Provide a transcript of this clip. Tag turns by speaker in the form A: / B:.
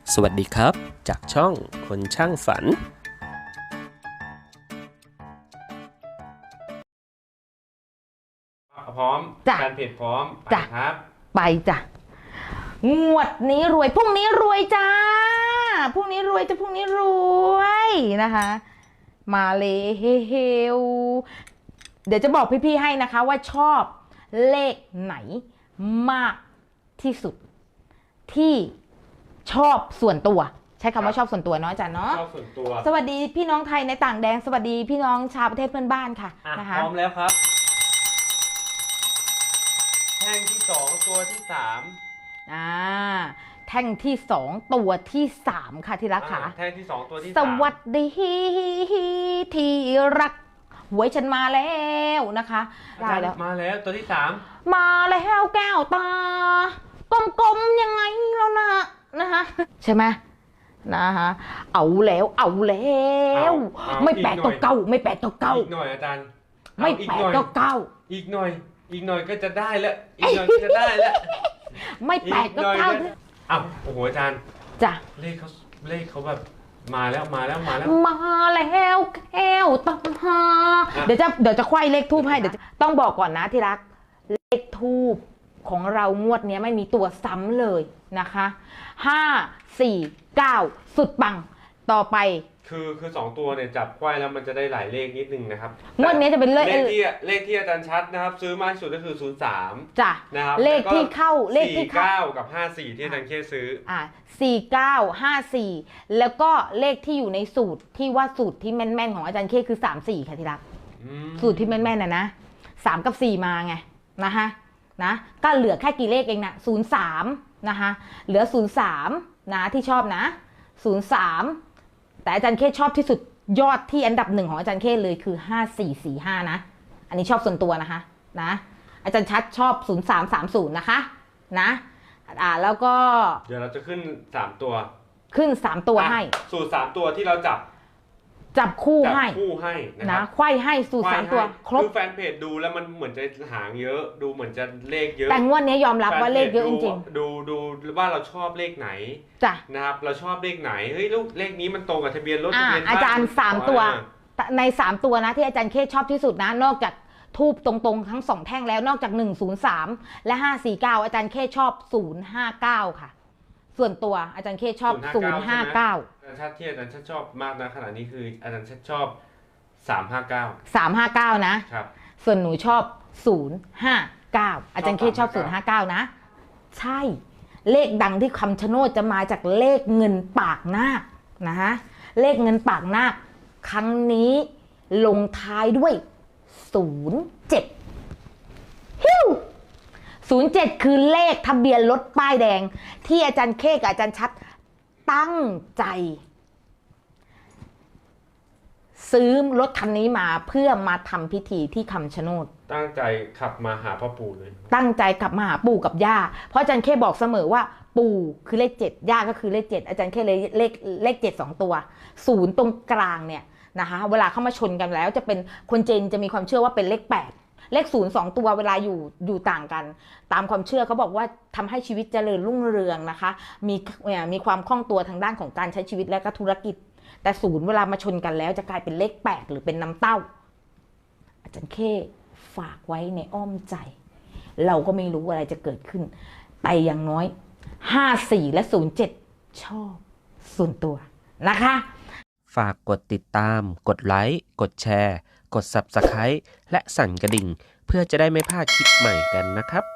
A: สวัสดีครับจากช่องคนช่างฝัน
B: พร้อม
C: จ้ะ
B: การเพจพร้อม
C: จ้ะ
B: ไปครับ
C: ไปจ้ะงวดนี้รวยพรุ่งนี้รวยจ้าพรุ่งนี้รวยจะพรุ่งนี้รวยนะคะ มาเลยเฮลเดี๋ยวจะบอกพี่ๆให้นะคะว่าชอบเลขไหนมากที่สุดที่ชอบส่วนตัว ใช้คำว่าชอบส่วนตัวเนาะอาจารย์เนาะ
B: ชอบส่วนตัว
C: สวัสดีพี่น้องไทยในต่างแดนสวัสดีพี่น้องชาวประเทศเพื่อนบ้านค่ะ
B: อ่ะ
C: นะคะ
B: พร้อมแล้วครับแท่งที่สองตัวที่สาม
C: แท่งที่สองตัวที่สามค่ะที่รักค่ะ
B: แท่งที่สองตัวที่
C: ส
B: สาม
C: วัสดีที่รักหวยฉันมาแล้วนะคะได้แล้ว
B: มาแล้วตัวที่สาม
C: มาแล้วแก้วตา กลมๆยังไงแล้วนะคะใช่ไหมนะคะเอาแล้วไม่แปลกตัวเก่าไม่แปลกตัวเก่า
B: อีกหน่อยอาจารย์
C: ไม่แปลกตัวเก่า
B: อีกหน่อยก็จะได้แล้วอีกหน่อยก็จะได้แล้ว
C: ไม่แปลกตัวเก่า
B: อ้าวโอ้โหอาจารย์
C: จ้ะ
B: เลขเขาแบบมาแล้ว
C: มาแล้วแก้วตาเดี๋ยวจะไขว้เลขทูบให้เดี๋ยวต้องบอกก่อนนะที่รักเลขทูบของเรางวดนี้ไม่มีตัวซ้ำเลยนะคะ5 4 9สุดปังต่อไป
B: คือสองตัวเนี่ยจับไขว้แล้วมันจะได้หลายเลขนิดนึงนะครับ
C: งวดนี้จะเป็นเลข
B: ที่อาจารย์ชัดนะครับซื้อมากที่สุดก็คือ03
C: จ้ะ
B: นะครับ
C: เลขที่เข้าเลขที่เข้า
B: 49กับ54ที่อาจารย์เคซื้อ
C: 4954แล้วก็เลขที่อยู่ในสูตรที่ว่าสูตรที่แม่นๆของอาจารย์เคคือ34ค่ะที่รักสูตรที่แม่นๆนะ3กับ4มาไงนะคะนะก็เหลือแค่กี่เลขเองนะ03นะคะเหลือ03นะที่ชอบนะ03แต่อาจารย์เคชอบที่สุดยอดที่อันดับหนึ่งของอาจารย์เคเลยคือ5445นะอันนี้ชอบส่วนตัวนะคะนะอาจารย์ชัดชอบ0330นะคะนะแล้วก็
B: เดี๋ยวเราจะขึ้น3ตัว
C: ขึ้น3ตัวให้
B: สูตร3ตัวที่เราจับ
C: คู่ให้
B: นะ
C: ไขว้ให้สูตร3ตัวครบ
B: คือแฟนเพจดูแล้วมันเหมือนจะหางเยอะดูเหมือนจะเลขเยอะ
C: แต่งวดนี้ยอมรับว่าเลขเยอะจริง
B: ๆดูว่าเราชอบเลขไหน
C: จ้ะ
B: นะครับเราชอบเลขไหนเฮ้ยลูกเลขนี้มันตรงกับทะเบียนรถทะเบียนบ้าน
C: อาจารย์3ตัวใน3ตัวนะที่อาจารย์เคชอบที่สุดนะนอกจากทูบตรงๆทั้ง2แท่งแล้วนอกจาก103และ549อาจารย์เคชอบ059ค่ะส่วนตัวอาจารย์เคชอบ059
B: อาจารย์ชัดที่อาจารย์ชัดชอบมากนะขณะนี้คืออาจารย์ชัดชอบ
C: 359นะครับส่วนหนูชอบ059อาจารย์เคชอบ059นะใช่เลขดังที่คำชะโนดจะมาจากเลขเงินปากนาคนะฮะเลขเงินปากนาคครั้งนี้ลงท้ายด้วย07ฮิว07คือเลขทะเบียนรถป้ายแดงที่อาจารย์เคกับอาจารย์ชัดตั้งใจซื้อรถคันนี้มาเพื่อมาทำพิธีที่คำชะโนด
B: ตั้งใจขับมาหาพ่อปู่เลย
C: ตั้งใจกลับมาหาปู่กับย่าเพราะอาจารย์เคบอกเสมอว่าปู่คือเลข7ย่าก็คือเลข7อาจารย์เคเลยเลข7 2ตัว0ตรงกลางเนี่ยนะคะเวลาเข้ามาชนกันแล้วจะเป็นคนจีนจะมีความเชื่อว่าเป็นเลข8เลข0 2ตัวเวลาอยู่ต่างกันตามความเชื่อเขาบอกว่าทำให้ชีวิตเจริญรุ่งเรืองนะคะมีความคล่องตัวทางด้านของการใช้ชีวิตและก็ธุรกิจแต่0เวลามาชนกันแล้วจะกลายเป็นเลข8หรือเป็นน้ำเต้าอาจารย์เคฝากไว้ในอ้อมใจเราก็ไม่รู้อะไรจะเกิดขึ้นแต่อย่างน้อย54และ07ชอบส่วนตัวนะคะ
A: ฝากกดติดตามกดไลค์กดแชร์กด Subscribe และสั่นกระดิ่งเพื่อจะได้ไม่พลาดคลิปใหม่กันนะครับ